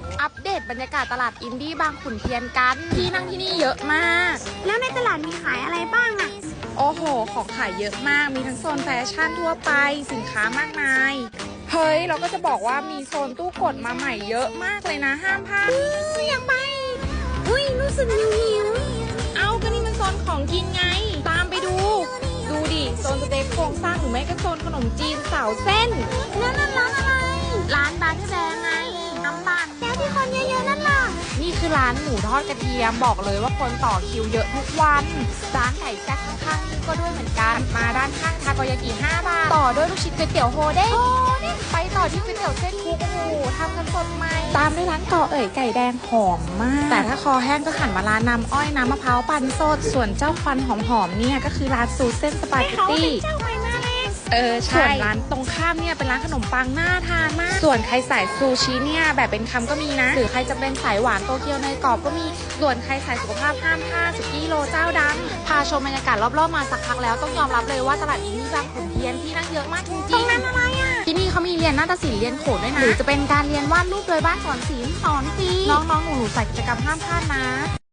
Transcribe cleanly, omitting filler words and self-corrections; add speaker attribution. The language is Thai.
Speaker 1: อัปเดตบรรยากาศตลาดอินดี้บางขุนเทียนกันที่นั่งที่นี่เยอะมาก
Speaker 2: แล้วในตลาดมีขายอะไรบ้างอะ
Speaker 1: โอ้โหของขายเยอะมากมีทั้งโซนแฟชั่นทั่วไปสินค้ามากมายเฮ้ยเราก็จะบอกว่ามีโซนตู้กดมาใหม่เยอะมากเลยนะห้ามพลาด
Speaker 2: อยากไปอุ้ยรู้สึกหิว
Speaker 1: เอาก็นี่มันโซนของกินไงตามไปดูดิโซนสเต็กโครงสร้างหรือไม่ก็โซนขนมจีนสาวเส้น
Speaker 2: แล้วนั่นร้านอะไร
Speaker 1: ร้านบาร์ที่แดงไงน้ำปั่น
Speaker 2: แล้วที่คนเยอะๆนั่นล่ะ
Speaker 1: นี่คือร้านหมูทอดกระเทียมบอกเลยว่าคนต่อคิวเยอะทุกวันร้านไก่แซ่บข้างๆนี่ก็ด้วยเหมือนกันมาด้านข้างทาโกยากิ5 บาทต่อด้วยลูกชิ้นก๋วยเตี๋ยวโฮเด้งไปต่อที่ก๋วยเตี๋ยวเส้นคุกโอ้โหทำกันสดใหม่ตามด้วยร้านก่อเอ๋ยไก่แดงหอมมากแต่ถ้าคอแห้งก็หันมาร้านน้ำอ้อยน้ำมะพร้าวปั่นสดส่วนเจ้าควันหอมๆเนี่ยก็คือร้านซูเส้นสปาเกตตี้
Speaker 2: เจ้าใหม่มาเลย
Speaker 1: ใช่ส่วนร้านตรงข้ามเนี่ยเป็นร้านขนมปังน่าทานมากส่วนใครสายซูชิเนี่ยแบบเป็นคำก็มีนะหรือใครจะเป็นสายหวานโตเกียวเนยกรอบก็มีส่วนใครสายสุขภาพห้ามพลาดสุกี้โลเจ้าดังพาชมบรรยากาศรอบๆมาสักพักแล้วต้องยอมรับเลยว่าตลาดอินดี้บางขุนเทียนที่นั่งเยอะมากจริงๆตรงนั้นอะไรอ่ะที่นี่เขามีเรียนนาฏศิลป์เรียนโขนด้วยนะหรือจะเป็นการเรียนวาดรูปโดยบ้านสอนศิลป์สอนฟรีน้องๆหนูๆใส่กิจกรรมห้ามพลาดนะ